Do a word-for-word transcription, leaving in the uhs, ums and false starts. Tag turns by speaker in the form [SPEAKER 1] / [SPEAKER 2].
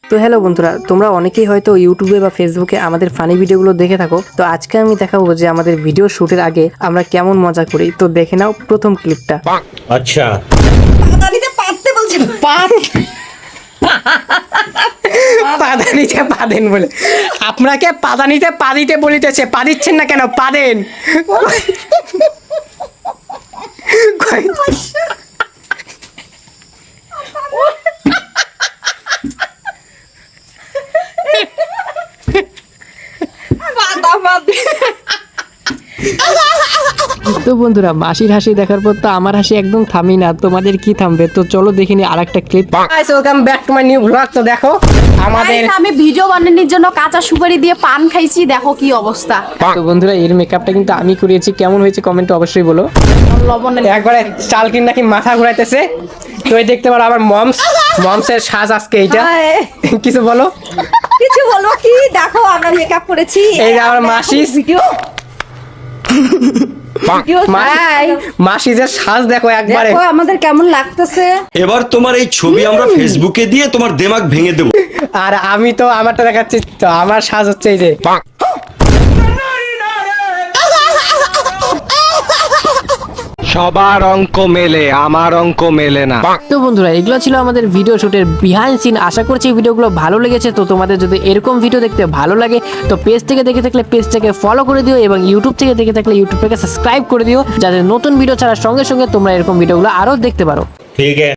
[SPEAKER 1] তো হ্যালো বন্ধুরা, তোমরা অনেকেই হয়তো ইউটিউবে বা ফেসবুকে আমাদের ফানি ভিডিওগুলো দেখে থাকো। তো আজকে আমি দেখাবো যে আমাদের ভিডিও শুটের আগে আমরা কেমন মজা করি। তো দেখে নাও প্রথম ক্লিপটা।
[SPEAKER 2] আচ্ছা,
[SPEAKER 3] পাদানিতে পাততে বলছে
[SPEAKER 1] পাত পাদানিতে পাদেন বলে আপনাকে পাদানিতে পা দিতে বলিতেছে, পা দিচ্ছেন না কেন? পাদেন।
[SPEAKER 3] পাতা পাতে
[SPEAKER 1] তো বন্ধুরা, মাসির হাসি দেখার পর তো আমার হাসি একদম থামি না। তোমাদের কি থামবে? তো চলো দেখে নি আরেকটা clip. Guys, welcome back to my new blog. তো দেখো আমাদের
[SPEAKER 3] Guys, আমি ভিডিও বানানোর জন্য কাঁচা সুপারি দিয়ে পান খাইছি, দেখো কি অবস্থা।
[SPEAKER 1] তো বন্ধুরা, এর মেকআপটা কিন্তু আমি করিয়েছি। কেমন হয়েছে কমেন্টে অবশ্যই বলো।
[SPEAKER 3] লবণের
[SPEAKER 1] একবারে চালকিন নাকি মাথা ঘুরাইতেছে। তো এই দেখতে পারো আবার মমস মমসের সাজ আজকে এইটা।
[SPEAKER 3] হায়।
[SPEAKER 1] কিছু বলো।
[SPEAKER 3] কিছু বলবো কি, দেখো আমরা মেকআপ করেছি।
[SPEAKER 1] এই যে আমার মাসি
[SPEAKER 3] ভিডিও ভিডিও তাই
[SPEAKER 1] মাসিজের সাজ দেখো একবারে।
[SPEAKER 3] দেখো আমাদের কেমন লাগতেছে।
[SPEAKER 2] এবার তোমার এই ছবি আমরা ফেসবুকে দিয়ে তোমার দেমাগ ভেঙে দেবো।
[SPEAKER 1] আর আমি তো আমারটা দেখাচ্ছি। তো আমার সাজ হচ্ছে এই যে।
[SPEAKER 4] সবার অঙ্ক মেলে, আমার অঙ্ক মেলে না।
[SPEAKER 1] তো বন্ধুরা, এগুলো ছিল আমাদের ভিডিও শুটের বিহাইন্ড সিন। আশা করছি এই ভিডিওগুলো ভালো লেগেছে। তো তোমাদের যদি এরকম ভিডিও দেখতে ভালো লাগে তো পেজ থেকে দেখে থাকলে পেজটাকে ফলো করে দিও, এবং ইউটিউব থেকে দেখে থাকলে ইউটিউবটাকে সাবস্ক্রাইব করে দিও, যাতে নতুন ভিডিও ছাড়ার সঙ্গে সঙ্গে তোমরা এরকম ভিডিওগুলো আরো দেখতে পারো।
[SPEAKER 2] ঠিক আছে।